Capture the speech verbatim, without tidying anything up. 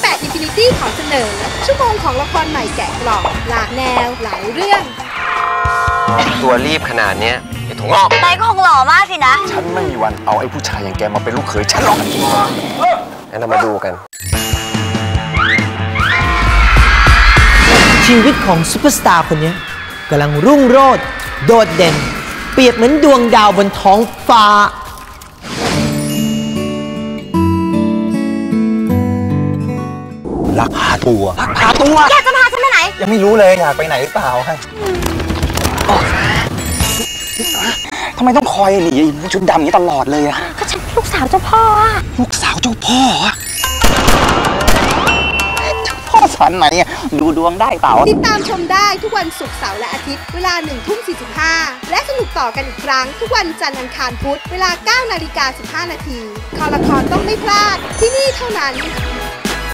ปด Infinity ขอเสนอชั่วโมงของละครใหม่แกะกล่องหลากแนวหลายเรื่องตัวรีบขนาดนี้ไอ้ถุงงอกนายก็คงหล่อมากสินะฉันไม่มีวันเอาไอ้ผู้ชายอย่างแกมาเป็นลูกเขยฉันหรอกงั้นเรามาดูกันชีวิตของซุปเปอร์สตาร์คนนี้กำลังรุ่งโรจน์โดดเด่นเปรียบเหมือนดวงดาวบนท้องฟ้าลักพาตัวลักพาตัวอยากจะพาฉันไปไหนยังไม่รู้เลยอยากไปไหนหรือเปล่าฮะทำไมต้องคอยหนีชุดดำนี้ตลอดเลยอะก็ฉันลูกสาวเจ้าพ่ออะลูกสาวเจ้าพ่ออะเจ้าพ่อสันไหนอะดูดวงได้เปล่าติดตามชมได้ทุกวันศุกร์เสาร์และอาทิตย์เวลาหนึ่งทุ่มสี่สิบห้าและสนุกต่อกันอีกครั้งทุกวันจันทร์อังคารพุธเวลาเก้านาฬิกาสิบห้านาทีคอละครต้องไม่พลาดที่นี่เท่านั้น